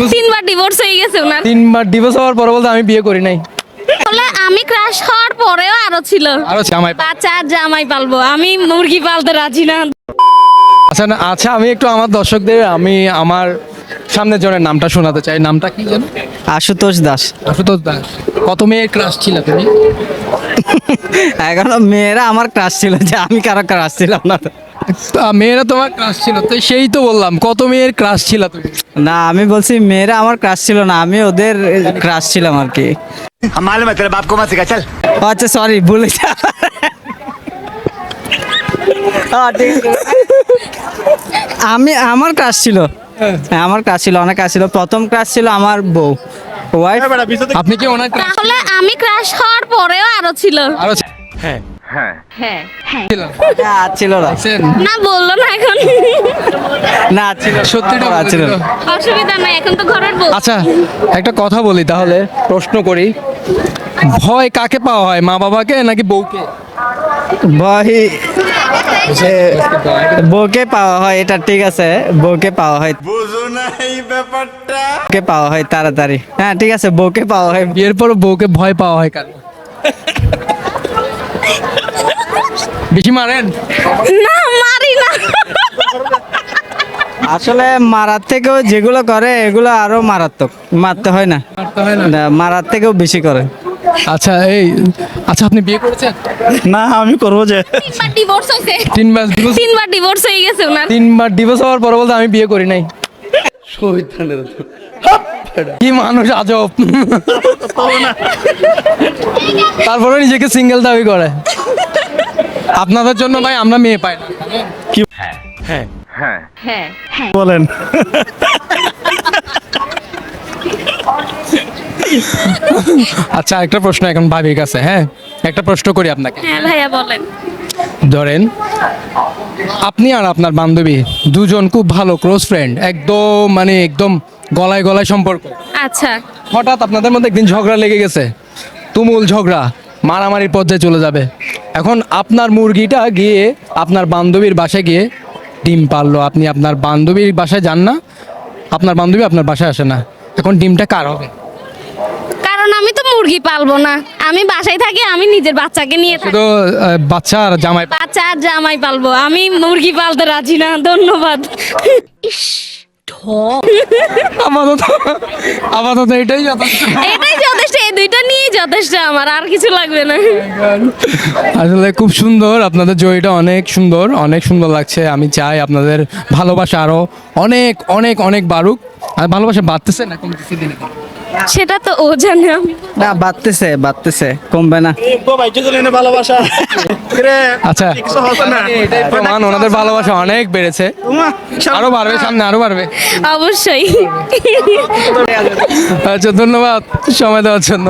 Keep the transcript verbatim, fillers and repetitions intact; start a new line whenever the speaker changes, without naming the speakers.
তিনবার ডিভোর্স হয়ে গেছে ওনার।
তিনবার ডিভোর্স হওয়ার পরে বলতে আমি বিয়ে করি নাই।
বলে আমি ক্রাশ হওয়ার পরেও আরো ছিল
আরো জামাই।
বাচ্চা আর জামাই পালবো, আমি মুরগি পালতে রাজি না।
আচ্ছা না, আচ্ছা আমি একটু আমার দর্শকদের আমি আমার সামনের জনের নামটা শোনাতে চাই। নামটা কি জানো?
আশুতোষ দাস।
আশুতোষ দাস। কত মেয়ের ক্রাশ ছিল তুমি?
এখনো মেয়েরা আমার ক্রাশ ছিল, যে আমি কারো ক্রাশ ছিলাম না।
তা মেয়েরা তোমার ক্রাশ ছিল, তো সেই তো বললাম কত মেয়ের ক্রাশ ছিল তুমি?
না, আমি বলছি মেয়েরা আমার ক্রাশ ছিল না, আমি ওদের ক্রাশ ছিলাম আর কি।
मालूम है तेरे बाप को मत सिखा चल।
ও আচ্ছা, সরি, ভুলে যা। হ্যাঁ, ঠিক আছে। আমি আমার ক্রাশ ছিল, হ্যাঁ, আমার ক্রাশ ছিল, অনেক ক্রাশ ছিল। প্রথম ক্রাশ ছিল আমার বউ, ওয়াইফ।
আপনি কি ওনার ক্রাশ
তাহলে আমি ক্রাশ হওয়ার পরেও আরো ছিল।
আরো হ্যাঁ
হ্যাঁ হ্যাঁ
ছিল?
না, ছিল না।
দেখছেন?
না বললো না এখন।
না, ছিল,
সত্যিটা
না, ছিল
বলে
না।
দিল।
অসুবিধা নাই, এখন তো ঘরের বউ।
আচ্ছা একটা কথা বলি তাহলে, প্রশ্ন করি, ভয় কাকে পাওয়া হয়, মা বাবাকে নাকি বউকে?
ভয় যে বউকে পাওয়া হয়, এটা ঠিক আছে, বউকে পাওয়া হয়,
बुझो ना ही ব্যাপারটা।
বউকে পাওয়া হয় তাড়াতাড়ি। হ্যাঁ, ঠিক আছে, বউকে পাওয়া হয়।
বিয়ের পর বউকে ভয় পাওয়া হয় কার? বেশি মারেন?
না মারি না।
আসলে মারার থেকেও যেগুলো করে এগুলো আরো মারাত্মক, মারতে হয় না,
মারতে হয় না?
না, মারার থেকেও বেশি করে।
আচ্ছা এই, আচ্ছা আপনি বিয়ে করেছেন?
না, আমি করবো যে।
তিনবার ডিভোর্স হয়েছে।
তিনবার divorce-
তিনবার ডিভোর্স হয়ে গেছে ওনার।
তিনবার ডিভোর্স হওয়ার পরে বলতে আমি বিয়ে করি নাই। কি মানুষ আজব। তারপরে নিজেকে সিঙ্গেল দাবি করে। আপনাদের জন্য ভাই আমরা মেয়ে পাই না।
হ্যাঁ হ্যাঁ
বলেন।
আচ্ছা একটা প্রশ্ন এখন ভাবির কাছে, হ্যাঁ একটা প্রশ্ন করি আপনাকে।
হ্যাঁ ভাইয়া বলেন।
ধরেন আপনি আর আপনার বান্ধবী দুজন খুব ভালো ক্লোজ ফ্রেন্ড, একদম মানে একদম গলায় গলায় সম্পর্ক।
আচ্ছা
হঠাৎ আপনাদের মধ্যে একদিন ঝগড়া লেগে গেছে, তুমুল ঝগড়া, মারামারির পর্যায়ে চলে যাবে। এখন আপনার মুরগিটা গিয়ে আপনার বান্ধবীর বাসায় গিয়ে ডিম পারলো, আপনি আপনার বান্ধবীর বাসায় যান না, আপনার বান্ধবী আপনার বাসায় আসে না, এখন ডিমটা কার হবে?
কারণ আমি তো মুরগি পালবো না, আমি বাসায় থাকি, আমি নিজের বাচ্চাকে নিয়ে থাকি।
শুধু আহ, বাচ্চা আর জামাই।
বাচ্চা আর জামাই পালবো, আমি মুরগি পালতে রাজি না। ধন্যবাদ। ইস ঢং।
আপাতত আপাতত এটাই যথেষ্ট।
এটাই যথেষ্ট, এই দুইটা নিয়েই যথেষ্ট আমার, আর কিছু লাগবে না।
আসলে খুব সুন্দর, আপনাদের জয়টা অনেক সুন্দর, অনেক সুন্দর লাগছে। আমি চাই আপনাদের ভালোবাসা আরো অনেক অনেক অনেক বাড়ুক। আর ভালোবাসা বাড়তেছে না কমতেছে দিনে দিনে?
সেটা তো ও জানে, আমি
না, বাড়তেছে, বাড়তেছে, কমবে না।
ভালোবাসা।
আচ্ছা এটাই প্রমাণ, ওনাদের ভালোবাসা অনেক বেড়েছে, আরো বাড়বে, সামনে আরো বাড়বে।
অবশ্যই।
আচ্ছা ধন্যবাদ সময় দেওয়ার জন্য।